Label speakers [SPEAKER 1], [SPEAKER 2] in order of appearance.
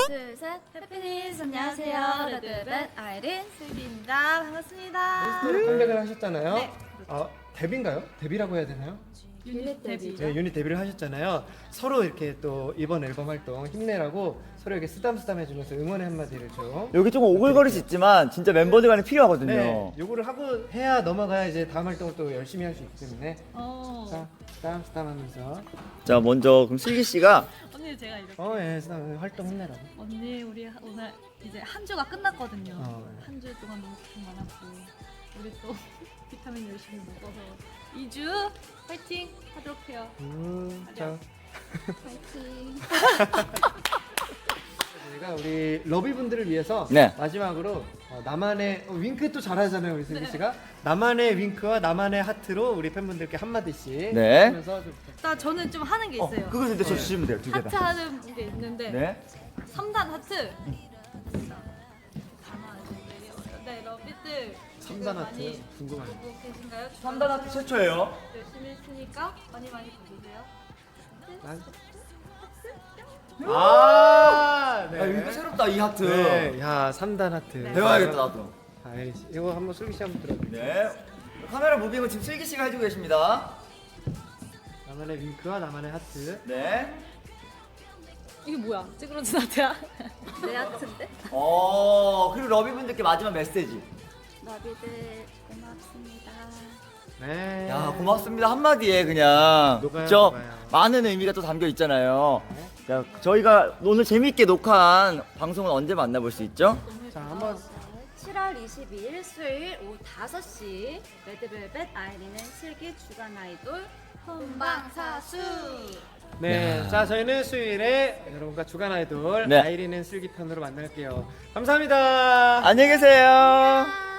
[SPEAKER 1] 둘, 셋. 해피니스 안녕하세요. 레드벨벳 아이린 슬기입니다. 반갑습니다.
[SPEAKER 2] 컴백을 하셨잖아요.
[SPEAKER 1] 네.
[SPEAKER 2] 데뷔인가요? 데뷔라고 해야 되나요?
[SPEAKER 1] 유닛 데뷔.
[SPEAKER 2] 네, 유닛 데뷔를 하셨잖아요. 서로 이렇게 또 이번 앨범 활동 힘내라고 서로에게 쓰담쓰담 해주면서 응원의 한마디를 좀.
[SPEAKER 3] 여기 조금 오글거릴 수 있지만 진짜 멤버들 간에 필요하거든요.
[SPEAKER 2] 네, 요거를 하고 해야 넘어가야 이제 다음 활동을 또 열심히 할 수 있기 때문에. 자, 쓰담쓰담 하면서.
[SPEAKER 3] 자, 먼저 그럼 슬기 씨가
[SPEAKER 4] 언니 제가 이렇게
[SPEAKER 2] 예, 쓰담 활동 힘내라고.
[SPEAKER 4] 언니 우리 오늘 이제 한 주가 끝났거든요.
[SPEAKER 2] 네.
[SPEAKER 4] 한 주 동안 너무 고생 많았고 우리 또 비타민 열심히 먹어서 2주 파이팅 하도록 해요.
[SPEAKER 2] 자,
[SPEAKER 1] 파이팅.
[SPEAKER 2] 저희가 우리 러비분들을 위해서
[SPEAKER 3] 네.
[SPEAKER 2] 마지막으로 나만의 윙크 또 잘하잖아요 우리 슬기 씨가. 나만의 윙크와 나만의 하트로 우리 팬분들께 한 마디씩
[SPEAKER 3] 네.
[SPEAKER 2] 하면서 좀
[SPEAKER 4] 나 저는 좀 하는 게 있어요.
[SPEAKER 3] 그거 근데 저 주시면 돼요. 두 개
[SPEAKER 4] 하트
[SPEAKER 3] 다.
[SPEAKER 4] 하는 게 있는데
[SPEAKER 3] 네.
[SPEAKER 4] 3단 하트. 네, 러비들
[SPEAKER 2] 3단 하트 궁금하네요.
[SPEAKER 4] 보고 계신가요?
[SPEAKER 3] 3단 하트 최초예요.
[SPEAKER 4] 열심히 했으니까 많이 봐주세요.
[SPEAKER 2] 네.
[SPEAKER 3] 아, 이거 새롭다 이 하트.
[SPEAKER 2] 네, 야 3단 하트.
[SPEAKER 3] 배워야겠다 나도.
[SPEAKER 2] 아이, 이거 한번 슬기 씨 한번 들어볼게요.
[SPEAKER 3] 네. 카메라 무빙은 지금 슬기 씨가 해주고 계십니다.
[SPEAKER 2] 나만의 윙크와 나만의 하트.
[SPEAKER 3] 네.
[SPEAKER 4] 이게 뭐야? 찌그러진 하트야?
[SPEAKER 1] 내 하트인데?
[SPEAKER 3] 그리고 러비분들께 마지막 메시지.
[SPEAKER 1] 러비들 고맙습니다.
[SPEAKER 2] 네.
[SPEAKER 3] 야, 고맙습니다 한마디에 그냥.
[SPEAKER 2] 녹아요,
[SPEAKER 3] 저
[SPEAKER 2] 녹아요.
[SPEAKER 3] 많은 의미가 또 담겨 있잖아요. 자, 저희가 오늘 재밌게 녹화한 방송은 언제 만나볼 수 있죠?
[SPEAKER 2] 자 한번
[SPEAKER 1] 7월 22일 수요일 오후 5시 레드벨벳 아이린의 슬기 주간 아이돌 본방사수.
[SPEAKER 2] 네. 자 저희는 수요일에 여러분과 주간 아이돌
[SPEAKER 3] 네.
[SPEAKER 2] 아이린은 슬기 편으로 만날게요. 감사합니다.
[SPEAKER 3] 안녕히 계세요.